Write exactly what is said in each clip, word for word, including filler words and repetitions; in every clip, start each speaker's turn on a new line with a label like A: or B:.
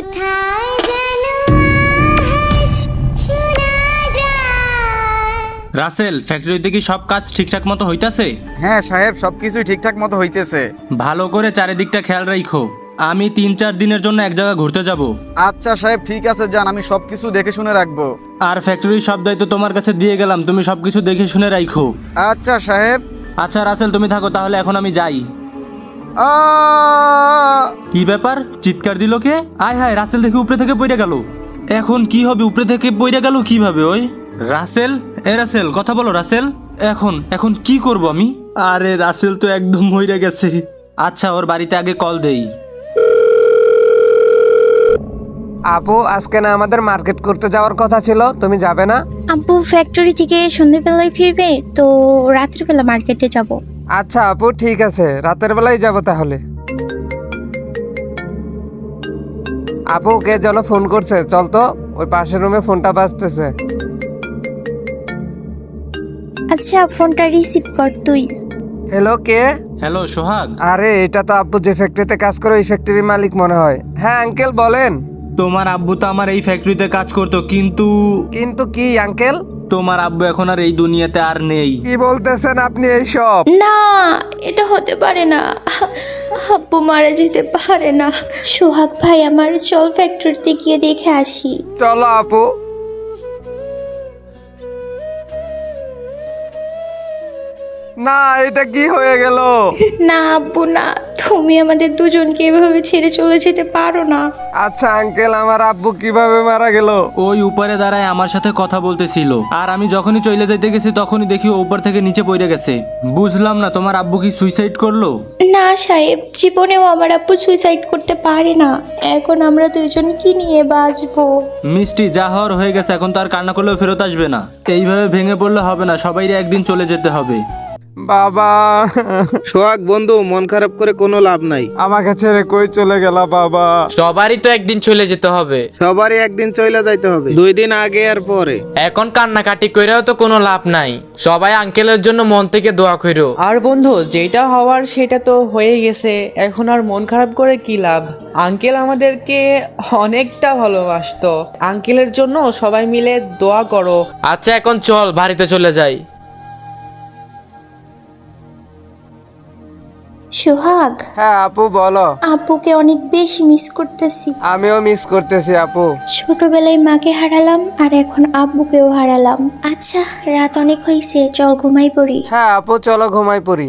A: কোথায় যেন আওয়াজ শোনা যায়।
B: রাসেল, ফ্যাক্টরিতে কি সব কাজ ঠিকঠাক মতো হইতাছে?
C: হ্যাঁ সাহেব, সবকিছুই ঠিকঠাক মতো হইতেছে।
B: ভালো করে চারিদিকটা খেয়াল রাখো। আমি তিন চার দিনের জন্য এক জায়গায় ঘুরতে যাব।
C: আচ্ছা সাহেব, ঠিক আছে, যান, আমি সবকিছু দেখে শুনে রাখবো।
B: আর ফ্যাক্টরির সব দায়িত্ব তোমার কাছে দিয়ে গেলাম, তুমি সবকিছু দেখে শুনে রাখো।
C: আচ্ছা সাহেব।
B: আচ্ছা রাসেল, তুমি থাকো তাহলে, এখন আমি যাই।
C: আ
B: কি ব্যাপার, চিৎকার দিল কে? আয় হায়, রাসেল থেকে উপরে থেকে পড়ে গেল। এখন কি হবে, উপরে থেকে পড়ে গেল কিভাবে? ওই রাসেল, এ রাসেল, কথা বলো রাসেল। এখন এখন কি করব আমি? আরে রাসেল তো একদম মইরা গেছে। আচ্ছা, ওর বাড়িতে আগে কল দেই।
D: আপু, আজকে না আমাদের মার্কেট করতে যাওয়ার কথা ছিল, তুমি যাবে না?
A: আব্বু ফ্যাক্টরি থেকে সন্ধ্যেবেলায় ফিরবে, তো রাতের বেলা মার্কেটে যাব।
D: আচ্ছা আপু, ঠিক আছে, রাতের বেলায় যাব তাহলে। আপু, কে যেন ফোন করছে, চল তো, ওই পাশের রুমে ফোনটা বাজতেছে।
A: আচ্ছা, ফোনটা রিসিভ কর তুই।
D: হ্যালো, কে?
B: হ্যালো সোহাগ।
D: আরে এটা তো আব্বু যে ফ্যাক্টরিতে কাজ করে ওই ফ্যাক্টরির মালিক মনে হয়। হ্যাঁ আঙ্কেল, বলেন।
B: তোমার আব্বু তো আমার এই ফ্যাক্টরিতে কাজ করতো, কিন্তু
D: কিন্তু কি আঙ্কেল?
B: তোমার আব্বু এখন আর এই দুনিয়াতে আর নেই।
D: কি বলতেছেন আপনি এইসব?
E: না, এটা হতে পারে না। আব্বু মারা যেতে পারে না। সোহাগ ভাই, আমার চল ফ্যাক্টরিতে গিয়ে দেখে আসি।
D: চলো আপু। না, এটা কি হয়ে গেল?
E: না আব্বু না, তুমি আমাদের দুজনকে এভাবে ছেড়ে চলে যেতে পারো না।
D: আচ্ছা আঙ্কেল, আমার আব্বু কিভাবে মারা গেল?
B: ওই উপরে দাঁড়ায় আমার সাথে কথা বলতেছিল, আর আমি যখনই চলে যাইতে গেছি তখনই দেখি ও উপর থেকে নিচে পড়ে গেছে। বুঝলাম না, তোমার আব্বু কি সুইসাইড করলো?
E: না সাহেব, জীবনেও আমার আব্বু সুইসাইড করতে পারে না। এখন আমরা দুইজন কি নিয়ে বাঁচবো?
B: মিষ্টি, যা হওয়ার হয়ে গেছে, এখন তো আর কান্না করলেও ফেরত আসবে না। এইভাবে ভেঙে পড়লে হবে না, সবাইরে একদিন চলে যেতে হবে।
D: বাবা,
F: সোহাগ বন্ধু, মন খারাপ করে কোনো লাভ নাই।
D: আমাকে ছেড়ে কই চলে গেলা বাবা?
G: সবারই তো একদিন চলে যেতে হবে।
F: সবারই একদিন চলে যাইতে হবে, দুই দিন আগে আর পরে।
G: এখন কান্নাকাটি কইরাও তো কোনো লাভ নাই। সবাই আঙ্কেলের জন্য মন থেকে দোয়া কইরো।
H: আর বন্ধু, যেটা হওয়ার সেটা তো হয়ে গেছে, এখন আর মন খারাপ করে কি লাভ? আঙ্কেল আমাদেরকে অনেকটা ভালোবাসতো। আঙ্কেলের জন্য সবাই মিলে দোয়া করো।
G: আচ্ছা, এখন চল বাড়িতে চলে যাই।
E: সোহাগ,
D: হ্যাঁ আপু, বলো।
E: আব্বুকে অনেক বেশি মিস করতেছি।
D: আমিও মিস করতেছি আপু।
E: ছোটবেলায় মাকে হারালাম, আর এখন আব্বুকেও হারালাম। আচ্ছা, রাত অনেক হয়েছে, চল ঘুমাই পড়ি।
D: হ্যাঁ আপু, চলো ঘুমাই পড়ি।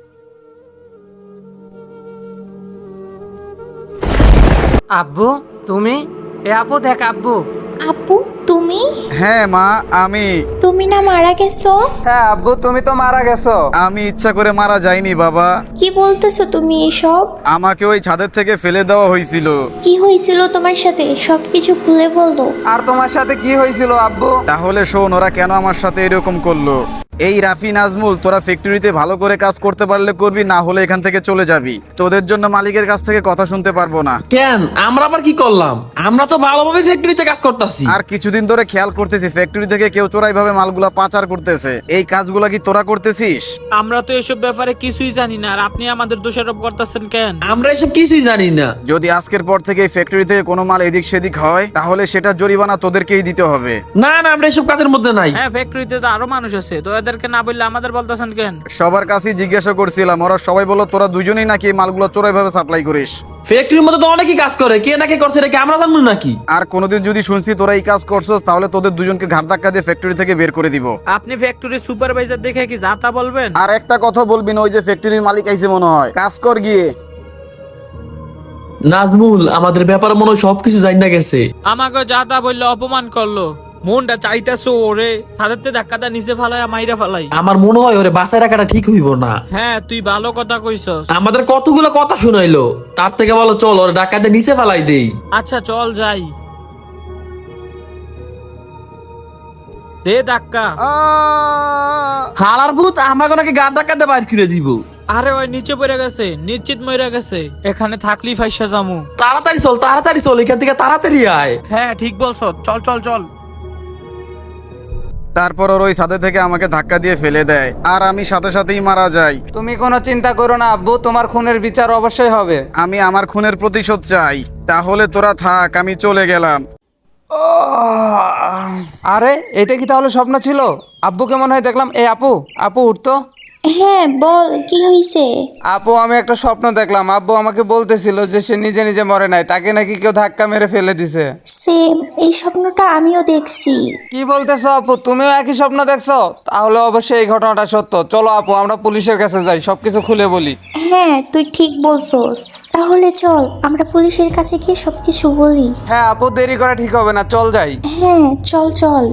D: আব্বু, তুমি? এ আপু, দেখ আব্বু।
E: আব্বু, তুমি?
C: হ্যাঁ মা, আমি।
E: তুমি না মারা গেছো?
D: হ্যাঁ আব্বু, তুমি তো মারা গেছো।
C: আমি ইচ্ছা করে মারা যাইনি বাবা।
E: কি বলতেছো তুমি এসব?
C: আমাকে ওই ছাদের থেকে ফেলে দেওয়া হয়েছিল।
E: কি হয়েছিল তোমার সাথে, সবকিছু খুলে বলো।
D: আর তোমার সাথে কি হয়েছিল আব্বু?
C: তাহলে শোন, ওরা কেন আমার সাথে এরকম করলো। এই রাফি, নাজমুল, তোরা ফ্যাক্টরিতে ভালো করে কাজ করতে পারলে করবি, না হলে এখান থেকে চলে যাবি। তোদের জন্য মালিকের কাছ থেকে কথা শুনতে পারবো না।
I: কেন, আমরা আবার কি করলাম? আমরা তো ভালোভাবে ফ্যাক্টরিতে কাজ করতেছি।
C: আর কিছুদিন ধরে খেয়াল করতেছি ফ্যাক্টরি থেকে কেউ চোরাই ভাবে মালগুলা পাচার করতেছে। এই কাজগুলা কি তোরা করতেছিস?
J: আমরা তো এসব ব্যাপারে কিছুই জানি না, আর আপনি আমাদের দোষারোপ করতেছেন কেন?
I: আমরা এসব কিছুই জানি না।
C: যদি আজকের পর থেকে এই ফ্যাক্টরি থেকে কোনো মাল এদিক সেদিক হয়, তাহলে সেটা জরিমানা তোদেরকেই দিতে হবে।
I: না না, আমরা এসব কাজের মধ্যে নাই।
J: হ্যাঁ, ফ্যাক্টরিতে তো আরো মানুষ আছে, তো এদেরকে না বললে আমাদের বলতেছেন কেন?
C: সবার কাছেই জিজ্ঞাসা করছিলাম, ওরা সবাই বললো তোরা দুজনেই নাকি এই মালগুলো চোরাই ভাবে সাপ্লাই করিস।
I: ফ্যাক্টরির মধ্যে তো অনেকেই কাজ করে, কে নাকি করছে এটা কি আমরা জানবো নাকি?
C: আর কোনোদিন যদি শুনছি তোরা এই কাজ করছস, তাহলে তোদের দুজনকে ঘাট ধাক্কা দিয়ে ফ্যাক্টরি থেকে বের করে দিব।
J: আপনি ফ্যাক্টরির সুপারভাইজার দেখে কি যা তা বলবেন?
C: আর একটা কথা বলবি না, ওই যে ফ্যাক্টরির মালিক আইছে মনে হয়, কাজ কর গিয়ে।
I: নাজমুল আমাদের ব্যাপারে মনে হয় সবকিছু জানি না গেছে।
J: আমাকে যা তা বললে অপমান করলো। মনটা চাইতেছো ওরে ছাদেরতে ধাক্কাটা নিচে ফালাই মাইরা ফালাই।
I: আমার মনে হয় ওরে বাসায় রাখাটা ঠিক হইব না।
J: হ্যাঁ, তুই ভালো কথা কইছস।
I: আমাদের কতগুলো কথা শুনাইলো, তার থেকে বলো চল ওর ডাকাতে নিচে ফেলাই দেই।
J: আচ্ছা চল যাই, দে ধাক্কা।
I: হালার ভূত আমাকে নাকি গা ধাক্কাতে বাইর করে দিব।
J: আরে ওই নিচে পড়ে গেছে, নিশ্চিত মরে গেছে। এখানে থাকলি ফাইসা জামু।
I: তাড়াতাড়ি চল, তাড়াতাড়ি চল, এখান থেকে তাড়াতাড়ি আয়।
J: হ্যাঁ ঠিক বলছো, চল চল চল।
C: তারপর ওর ওই ছাদে থেকে আমাকে ধাক্কা দিয়ে ফেলে দেয় আর আমি সাথে সাথেই মারা যাই।
D: তুমি কোনো চিন্তা করো না আব্বু, তোমার খুনের বিচার অবশ্যই হবে।
C: আমি আমার খুনের প্রতিশোধ চাই। তাহলে তোরা থাক, আমি চলে গেলাম।
D: আরে এটা কি তাহলে স্বপ্ন ছিল? আব্বুকে মনে হয় দেখলাম। এই আপু, আপু উঠতো।
E: হ্যাঁ বল, কি হয়েছে?
D: আপু আমি একটা স্বপ্ন দেখলাম। আব্বু আমাকে বলতেছিল যে সে নিজে নিজে মরে নাই, তাকে নাকি কেউ ধাক্কা মেরে ফেলে দিছে।
E: সেম, এই স্বপ্নটা আমিও দেখছি।
D: কি বলতেছো আপু, তুমিও একই স্বপ্ন দেখছো? তাহলে অবশ্যই এই ঘটনাটা সত্য। চলো আপু আমরা পুলিশের কাছে যাই, সবকিছু খুলে বলি।
E: হ্যাঁ তুই ঠিক বলছস, তাহলে চল আমরা পুলিশের কাছে গিয়ে সবকিছু বলি।
D: হ্যাঁ আপু, দেরি করা ঠিক হবে না, চল যাই।
E: হ্যাঁ চল চল।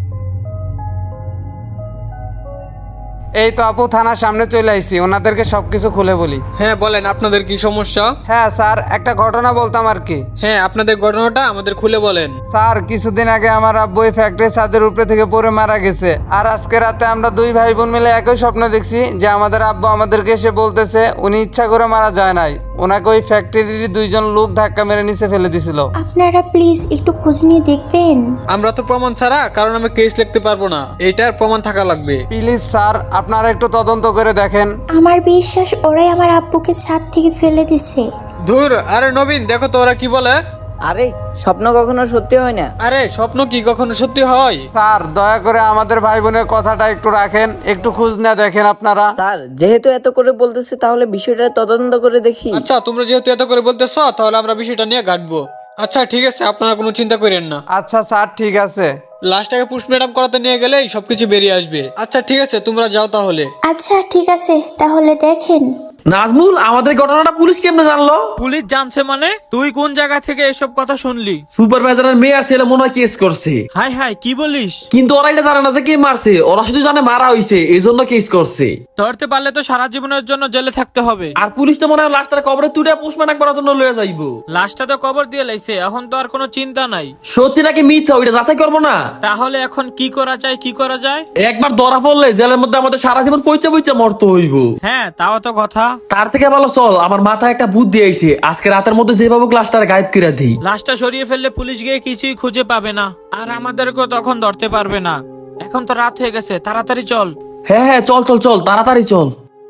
D: এই তো আপু, থানার সামনে চলে আইছি, ওনাদেরকে সবকিছু খুলে বলি।
J: হ্যাঁ বলেন, আপনাদের কি সমস্যা?
D: হ্যাঁ স্যার, একটা ঘটনা বলতাম আর কি।
J: হ্যাঁ, আপনাদের ঘটনাটা আমাদের খুলে বলেন।
D: স্যার কিছুদিন আগে আমার আব্বু এই ফ্যাক্টরি ছাদের উপরে থেকে পড়ে মারা গেছে। আর আজকে রাতে আমরা দুই ভাই বোন মিলে একই স্বপ্ন দেখছি যে আমাদের আব্বু আমাদেরকে এসে বলতেছে উনি ইচ্ছা করে মারা যায় নাই, ওনাকে ওই ফ্যাক্টরির দুইজন লোক ধাক্কা মেরে নিচে ফেলে দিছিল।
E: আপনারা প্লিজ একটু খোঁজ নিয়ে দেখবেন।
J: আমরা তো প্রমাণ ছাড়া কারণ আমি কেস লিখতে পারবো না, এটার প্রমাণ থাকা লাগবে।
D: প্লিজ স্যার, আপনারা একটু তদন্ত করে দেখেন।
E: আমার বিশ্বাস ওরাই আমার আব্বুকে ছাদ থেকে ফেলে দিছে।
J: ধুর, আরে নবীন দেখো তো ওরা কি বলে।
H: আরে স্বপ্ন কখনো সত্যি হয় না।
J: আরে স্বপ্ন কি কখনো সত্যি হয়?
D: স্যার দয়া করে আমাদের ভাই বোনের কথাটা একটু রাখেন, একটু খোঁজ না দেখেন আপনারা।
H: স্যার যেহেতু এত করে বলতেছে তাহলে বিষয়টা তদন্ত করে দেখি।
J: আচ্ছা, তোমরা যেহেতু এত করে বলতেছো তাহলে আমরা বিষয়টা নিয়ে ঘাটবো। আচ্ছা ঠিক আছে, আপনারা কোনো চিন্তা করেন না।
D: আচ্ছা স্যার ঠিক আছে।
J: লাস্টটাকে পোস্টমর্টম করাতে নিয়ে গেলেই সবকিছু বেরিয়ে আসবে। আচ্ছা ঠিক আছে, তোমরা যাও তাহলে।
E: আচ্ছা ঠিক আছে, তাহলে দেখেন।
I: নাজমুল, আমাদের ঘটনাটা পুলিশ কেমনে জানলো?
J: পুলিশ জানছে মানে? তুই কোন জায়গা থেকে এসব কথা শুনলি?
I: সুপারভাইজারের মেয়ে আর ছেলে মনে হয় কেস করছে।
J: হাই হাই, কি বলিস?
I: কিন্তু ওরা এটা জানে না যে কে মারছে, ওরা শুধু জানে মারা হইছে, এই জন্য কেস করছে।
J: ধরতে পারলে তো সারা জীবনের জন্য জেলে থাকতে হবে।
I: আর পুলিশ তো মনে হয় লাশটার কবরে তুলে পোস্টমর্টম করার জন্য লয়ে যাইবো।
J: লাশটা তো কবর দিয়ে লাইছে, এখন তো আর কোনো চিন্তা নাই।
I: সত্যি নাকি মিথ্যা ওইটা যাচাই করবো না?
J: তাহলে এখন কি করা যায়, কি করা যায়?
I: একবার ধরা পড়লে জেলের মধ্যে আমাদের সারা জীবন পয়চা পয়চা মরতে হইব।
J: হ্যাঁ তাও তো কথা।
I: তার থেকে ভালো চল, আমার মাথায় একটা বুদ্ধি আইছে, আজকে রাতের মধ্যে যেভাবে ক্লাসটার গায়েব করে দিই।
J: লাশটা সরিয়ে ফেললে পুলিশ গিয়ে কিছুই খুঁজে পাবে না, আর আমাদেরকেও তখন ধরতে পারবে না। এখন তো রাত হয়ে গেছে, তাড়াতাড়ি চল।
I: হ্যাঁ হ্যাঁ চল চল চল, তাড়াতাড়ি চল।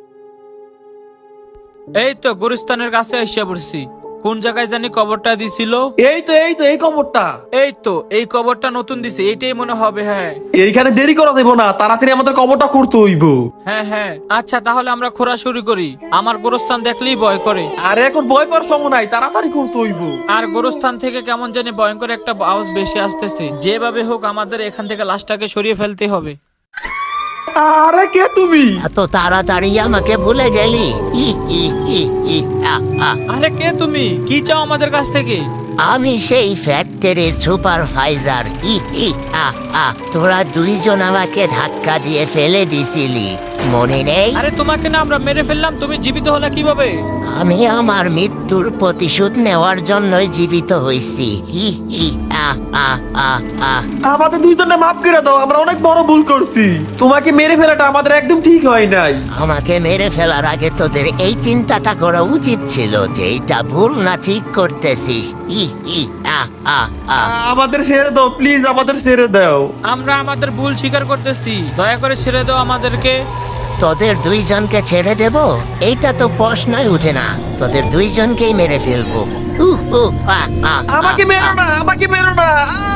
J: এই তো গুরুস্থানের কাছে এসে পড়ছি। কোন জায়গায় জানি কবরটা দিছিল?
I: এই তো এই তো এই কবরটা।
J: এই তো এই কবরটা নতুন দিছে, এইটাই মনে হবে। হ্যাঁ
I: এইখানে দেরি করা দেবো না, তাড়াতাড়ি আমাদের কবরটা করতে হইব।
J: হ্যাঁ হ্যাঁ আচ্ছা, তাহলে আমরা খোঁড়া শুরু করি। আমার গোরস্থান দেখলেই ভয় করে।
I: আরে এখন ভয় পাওয়ার সময় নাই, তাড়াতাড়ি করতে হইব।
J: আর গোরস্থান থেকে কেমন জানি ভয়ঙ্কর একটা আওয়াজ বেশি আসতেছে। যেভাবে হোক আমাদের এখান থেকে লাশটাকে সরিয়ে ফেলতে হবে।
I: আরে কে তুমি?
K: এত তাড়াতাড়ি আমাকে ভুলে গেলি? ই, ই, ই, ই, আ, আ।
J: আরে কে তুমি? কি চাও আমাদের কাছ থেকে?
K: আমি সেই ফ্যাক্টরির সুপারভাইজার। ই, ই, আ, আ। তোরা দুইজন আমাকে ধাক্কা দিয়ে ফেলে দিছিলি, মনে নেই?
J: আরে তোমাকে না আমরা মেরে ফেললাম, তুমি জীবিত হলে কিভাবে?
K: আমি আমার মৃত্যুর প্রতিশোধ নেওয়ার জন্যই জীবিত হইছি। ই, ই, আ, আ, আ, আ।
I: আমাদের দুইজনে মাফ করে দাও, আমরা অনেক বড় ভুল করছি। তোমাকে মেরে ফেলাটা আমাদের একদম ঠিক হয় নাই।
K: আমাকে মেরে ফেলার আগে তোদের এই চিন্তাটা করা উচিত ছিল যে এইটা ভুল না ঠিক করতেছিস। ই, ই, আ, আ, আ।
I: আমাদের ছেড়ে দাও প্লিজ, আমাদের ছেড়ে দাও।
J: আমরা আমাদের ভুল স্বীকার করতেছি, দয়া করে ছেড়ে দাও আমাদেরকে।
K: তোদের দুইজনকে ছেড়ে দেব এইটা তো প্রশ্নই উঠে না, তোদের দুইজনকেই মেরে ফেলবো। উহ, উহ, আ, আ, আ,
I: আমাকে মেরো না, আমাকে মেরো না।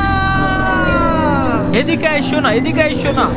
J: এদিকে আইসো না, এদিকে আইসো না।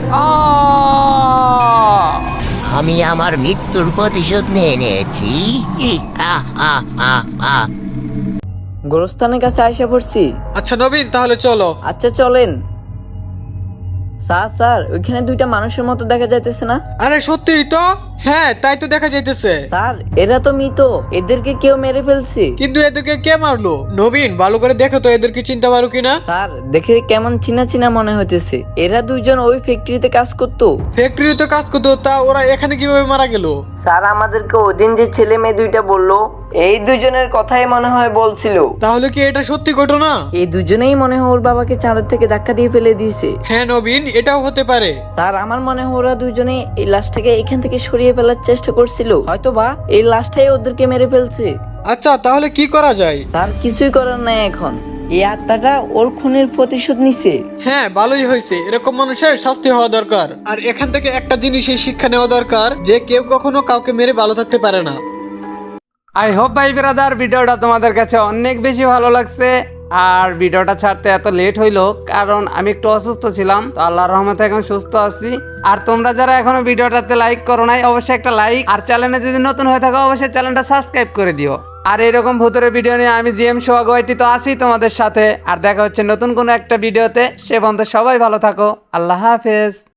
K: আমি আমার মৃত্যুর প্রতিশোধ নিয়ে নিয়েছি। ই, আ, আ, আ, আ।
H: গোরস্থানের কাছে আইসা পড়ছি।
J: আচ্ছা নবীন, তাহলে চলো।
H: আচ্ছা চলেন। স্যার স্যার ওইখানে দুইটা মানুষের মতো দেখা যাইতেছে না?
J: আরে সত্যিই তো। হ্যাঁ তাই তো দেখা যাইতেছে।
H: স্যার এরা তো মৃত, এদেরকে কেউ মেরে ফেলছে।
J: কিন্তু এদেরকে কে মারলো? নবীন ভালো করে দেখো তো এদেরকে চিনতে পারো কিনা।
H: স্যার দেখে কেমন চিনা চিনা মনে হইতেছে, এরা দুইজন ওই ফ্যাক্টরিতে কাজ করতো।
J: ফ্যাক্টরিতে কাজ করতো, তা ওরা এখানে কিভাবে মারা গেল?
H: স্যার আমাদেরকে ওদিন যে ছেলে মেয়ে দুইটা বললো, এই দুজনের কথাই মনে হয় বলছিল।
J: তাহলে কি এটা সত্যি ঘটনা?
H: এই দুজনেই মনে হয় ওর বাবাকে চাঁদের থেকে ধাক্কা দিয়ে ফেলে দিয়েছে।
J: হ্যাঁ নবীন, এটাও হতে পারে।
H: স্যার আমার মনে হয় ওরা দুজনে এই লাশটাকে এখান থেকে সরিয়ে ফেলার চেষ্টা করছিল, হয়তো বা এই লাশটাই ওদেরকে মেরে ফেলছে।
J: আচ্ছা তাহলে কি করা যায়?
H: স্যার কিছুই করার নাই এখন, এই আত্মাটা ওর খুনের প্রতিশোধ নিছে।
J: হ্যাঁ ভালোই হয়েছে, এরকম মানুষের শাস্তি হওয়া দরকার। আর এখান থেকে একটা জিনিসই শিক্ষা নেওয়া দরকার, যে কেউ কখনো কাউকে মেরে ভালো থাকতে পারে না।
D: আই হোপ ভাই ব্রাদার ভিডিওটা তোমাদের কাছে অনেক বেশি ভালো লাগছে। আর ভিডিওটা ছাড়তে এত লেট হইলো কারণ আমি একটু অসুস্থ ছিলাম, তো আল্লাহর রহমতে এখন সুস্থ আছি। আর তোমরা যারা এখনো ভিডিওটাতে লাইক করো নাই, অবশ্যই একটা লাইক, আর চ্যানেলে যদি নতুন হয়ে থাকো অবশ্যই চ্যানেলটা সাবস্ক্রাইব করে দিও। আর এরকম ভূতের ভিডিও নিয়ে আমি জিএম সোহাগ ওয়াইটি তো আছি তোমাদের সাথে। আর দেখা হচ্ছে নতুন কোনো একটা ভিডিওতে। সে পর্যন্ত সবাই ভালো থাকো। আল্লাহ হাফেজ।